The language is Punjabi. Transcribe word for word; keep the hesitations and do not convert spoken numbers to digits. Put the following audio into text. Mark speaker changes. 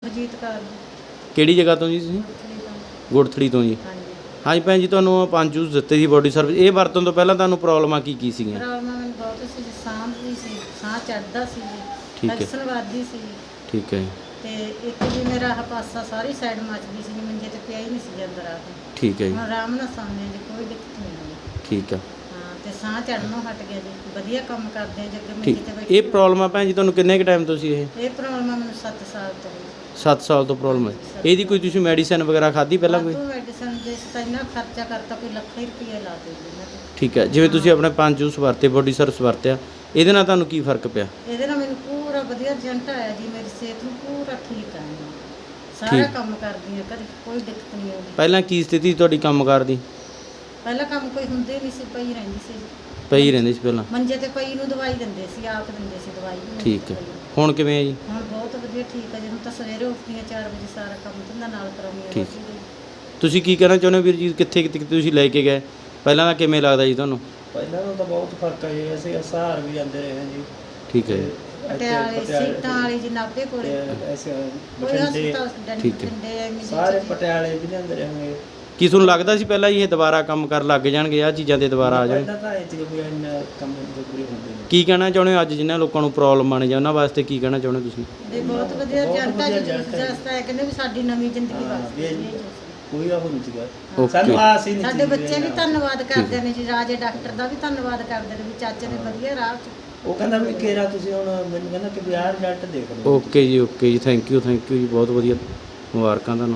Speaker 1: ਜੀਤ ਕੌਰ
Speaker 2: ਕਿਹੜੀ ਜਗ੍ਹਾ ਤੋਂ ਜੀ ਤੁਸੀਂ? ਗੁੜਥੜੀ ਤੋਂ ਜੀ।
Speaker 1: ਹਾਂਜੀ
Speaker 2: ਹਾਂਜੀ ਭੈਣ ਜੀ, ਤੁਹਾਨੂੰ ਪੰਜ ਜੂਸ ਦਿੱਤੇ ਸੀ ਬੋਡੀ ਸਰਵਿਸ, ਇਹ ਵਰਤਣ ਤੋਂ ਪਹਿਲਾਂ ਤੁਹਾਨੂੰ ਪ੍ਰੋਬਲਮਾਂ ਕੀ ਕੀ ਸੀਗੀਆਂ?
Speaker 1: ਪ੍ਰੋਬਲਮ ਮੈਨੂੰ ਬਹੁਤ ਸੀ ਜੀ, ਸਾਹ ਵੀ ਸੀ, ਸਾਹ ਚੜ੍ਹਦਾ ਸੀ ਜੀ,
Speaker 2: ਠੀਕ ਹੈ।
Speaker 1: ਐਕਸਨ ਵੱਧਦੀ ਸੀ
Speaker 2: ਠੀਕ ਹੈ ਜੀ।
Speaker 1: ਤੇ ਇੱਕ ਜੀ ਮੇਰਾ ਆਹ ਪਾਸਾ ਸਾਰੀ ਸਾਈਡ ਮੱਚਦੀ ਸੀ ਜੀ, ਮੰਜੇ ਤੇ ਪਿਆ ਹੀ ਨਹੀਂ ਸੀ ਜਾਂਦਾ ਰਾਤ ਨੂੰ।
Speaker 2: ਠੀਕ ਹੈ ਜੀ।
Speaker 1: ਹੁਣ ਆਰਾਮ ਨਾਲ ਸੌਂਦੇ ਜੀ, ਕੋਈ ਦਿੱਕਤ ਨਹੀਂ ਆਉਂਦੀ।
Speaker 2: ਠੀਕ ਆ।
Speaker 1: ਹਾਂ ਤੇ ਸਾਹ ਚੜ੍ਹਨੋਂ ਹਟ ਗਿਆ ਜੀ, ਵਧੀਆ ਕੰਮ ਕਰਦੇ ਆ ਜੱਗੇ ਮੰਜੇ
Speaker 2: ਠੀਕ।
Speaker 1: ਤੇ
Speaker 2: ਇਹ
Speaker 1: ਬੈਠੇ।
Speaker 2: ਪ੍ਰੋਬਲਮ ਆ ਭੈਣ ਜੀ ਤੁਹਾਨੂੰ ਕਿੰਨੇ ਕੁ ਟਾਈਮ ਤੋਂ ਸੀ ਇਹ?
Speaker 1: ਇਹ ਪ੍ਰੋਬਲਮ ਆ ਮੈਨੂੰ ਸੱਤ ਸਾਲ ਤੋਂ ਜੀ।
Speaker 2: ਸੱਤ ਸਾਲ ਤੋਂ ਪ੍ਰੋਬਲਮ ਹੈ। ਇਹਦੀ ਕੋਈ ਤੁਸੀਂ ਮੈਡੀਸਿਨ ਵਗੈਰਾ ਖਾਧੀ ਪਹਿਲਾਂ ਕੋਈ?
Speaker 1: ਵਾਧੂ ਮੈਡੀਸਨ ਦੇ ਤਾਂ ਇੰਨਾ ਖਰਚਾ ਕਰਤਾ, ਕੋਈ ਲੱਖ ਹੀ ਰੁਪਈਆ ਲਾ ਦੇ ਜੀ ਇਹਨਾਂ ਤੇ।
Speaker 2: ਠੀਕ ਹੈ। ਜਿਵੇਂ ਤੁਸੀਂ ਆਪਣੇ ਪੰਜ ਜੂਸ ਵਰਤੇ, ਬੋਡੀ ਸਰਵਿਸ ਵਰਤਿਆ, ਇਹਦੇ ਨਾਲ ਤੁਹਾਨੂੰ ਕੀ ਫਰਕ ਪਿਆ?
Speaker 1: ਇਹਦੇ ਨਾਲ ਮੈਨੂੰ ਪੂਰਾ ਵਧੀਆ ਰਿਜ਼ਲਟ ਆਇਆ ਜੀ, ਮੇਰੀ ਸਿਹਤ ਨੂੰ ਪੂਰਾ ਠੀਕ ਆ ਜੀ। ਸਾਰਾ
Speaker 2: ਠੀਕ।
Speaker 1: ਕੰਮ ਕਰਦੀ ਆ, ਕਦੇ ਕੋਈ ਦਿੱਕਤ ਨਹੀਂ ਆਉਂਦੀ।
Speaker 2: ਪਹਿਲਾਂ ਕੀ ਸਥਿਤੀ ਸੀ ਤੁਹਾਡੀ ਕੰਮਕਾਰ ਦੀ?
Speaker 1: ਪਹਿਲਾਂ ਕੰਮ ਕੋਈ ਹੁੰਦੇ ਨਹੀਂ ਸੀ, ਪਈ ਰਹਿੰਦੀ ਸੀ,
Speaker 2: ਪਈ ਰਹਿੰਦੇ ਸੀ ਪਹਿਲਾਂ?
Speaker 1: ਮੰਜੇ ਤੇ ਪਈ ਨੂੰ ਦਵਾਈ ਦਿੰਦੇ ਸੀ, ਆਪ ਦਿੰਦੇ ਸੀ ਦਵਾਈ ਵੀ।
Speaker 2: ਠੀਕ ਹੈ। ਹੁਣ ਕਿਵੇਂ ਹੈ ਜੀ?
Speaker 1: ਹੁਣ ਬਹੁਤ ਵਧੀਆ ਠੀਕ ਆ ਜੀ, ਹੁਣ ਤਾਂ ਸਵੇਰੇ ਉੱਠਦੀ ਆ ਚਾਰ ਵਜੇ, ਸਾਰਾ ਕੰਮ ਧੰਦਾ ਨਾਲ ਕਰਾਉਂਦੀ ਆ।
Speaker 2: ਠੀਕ। ਤੁਸੀਂ ਕੀ ਕਹਿਣਾ ਚਾਹੁੰਦੇ ਹੋ ਵੀਰ ਜੀ, ਕਿੱਥੇ ਕਿੱਥੇ ਤੁਸੀਂ ਲੈ ਕੇ ਗਏ, ਪਹਿਲਾਂ ਦਾ ਕਿਵੇਂ ਲੱਗਦਾ ਜੀ ਤੁਹਾਨੂੰ?
Speaker 3: ਪਹਿਲਾਂ ਨਾਲੋਂ ਤਾਂ ਬਹੁਤ ਫਰਕ ਹੈ ਜੀ, ਅਸੀਂ ਸਹਾਰ ਵੀ ਜਾਂਦੇ ਰਹੇ ਹਾਂ ਜੀ।
Speaker 2: ਠੀਕ ਹੈ ਜੀ।
Speaker 1: ਪਟਿਆਲੇ ਸੀਟਾਂ ਵਾਲੀ ਜੀ, ਨਾਭੇ ਕੋਲੇ
Speaker 3: ਤੇ ਅਸੀਂ
Speaker 1: ਕੋਈ
Speaker 3: ਬਠਿੰਡੇ,
Speaker 1: ਹਸਪਤਾਲ
Speaker 2: ਠੀਕ ਹੈ।
Speaker 1: ਡੰਡੇ ਐਵੇਂ ਜੀ
Speaker 3: ਸਾਰੇ
Speaker 1: ਚੀਜ਼।
Speaker 3: ਪਟਿਆਲੇ ਵੀ ਜਾਂਦੇ ਰਹੇ।
Speaker 2: ਕੀ ਤੁਹਾਨੂੰ ਲੱਗਦਾ ਸੀ ਪਹਿਲਾਂ ਹੀ ਇਹ ਦੁਬਾਰਾ ਕੰਮ ਕਰਨ ਲੱਗ ਜਾਣਗੇ, ਆਹ ਚੀਜ਼ਾਂ ਤੇ ਦੁਬਾਰਾ ਆ ਜਾਣ?
Speaker 3: ਪਹਿਲਾਂ ਤਾਂ ਇਹ ਚੀਜ਼ ਵੀ ਇੰਨਾ ਕੰਮ ਜ਼ਰੂਰੀ ਹੁੰਦੇ ਨੇ।
Speaker 2: ਕੀ ਕਹਿਣਾ ਚਾਹੁੰਦੇ ਹੋ ਅੱਜ ਜਿਨ੍ਹਾਂ ਲੋਕਾਂ ਨੂੰ ਪ੍ਰੋਬਲਮ ਆਣੇ ਜਾਂ ਉਹਨਾਂ ਵਾਸਤੇ ਕੀ ਕਹਿਣਾ ਚਾਹੁੰਦੇ ਹੋ ਤੁਸੀਂ?
Speaker 1: ਇਹ ਬਹੁਤ ਵਧੀਆ
Speaker 3: ਬਹੁਤ
Speaker 1: ਜਨਤਾ
Speaker 3: ਵਧੀਆ
Speaker 1: ਜੀ,
Speaker 3: result ਹੈ।
Speaker 1: ਜਸਤਾ ਹੈ ਕਹਿੰਦੇ ਵੀ ਸਾਡੀ ਨਵੀਂ ਜ਼ਿੰਦਗੀ
Speaker 3: ਹਾਂ,
Speaker 1: ਵਾਸਤੇ
Speaker 3: ਵੀ
Speaker 1: ਇਹ
Speaker 3: ਇਹ
Speaker 1: ਜੂਸ।
Speaker 3: ਕੋਈ ਉਹ ਨਹੀਂ ਸੀਗਾ।
Speaker 2: Okay.
Speaker 3: ਸਾਨੂੰ ਆਸ ਹੀ ਨਹੀਂ
Speaker 1: ਸਾਡੇ
Speaker 3: ਸੀ
Speaker 1: ਬੱਚੇ ਵੀ
Speaker 3: ਇਹਦਾ।
Speaker 1: ਧੰਨਵਾਦ ਕਰਦੇ ਨੇ ਜੀ, ਰਾਜੇ ਡਾਕਟਰ ਦਾ ਵੀ ਧੰਨਵਾਦ ਕਰਦੇ ਨੇ ਵੀ ਚਾਚੇ ਨੇ ਵਧੀਆ ਰਾਹ 'ਚ।
Speaker 3: ਉਹ ਕਹਿੰਦਾ ਵੀ ਕੇਰਾ ਤੁਸੀਂ ਹੁਣ ਮੈਨੂੰ ਕਹਿੰਦਾ ਕਿ ਵੀ ਆਹ ਰਿਜ਼ਲਟ ਦੇਖ ਲਓ।
Speaker 2: ਓਕੇ ਜੀ, ਓਕੇ ਜੀ, ਥੈਂਕ ਯੂ ਥੈਂਕ ਯੂ ਜੀ, ਬਹੁਤ ਵਧੀਆ, ਮੁਬਾਰਕਾਂ ਤੁਹਾਨੂੰ।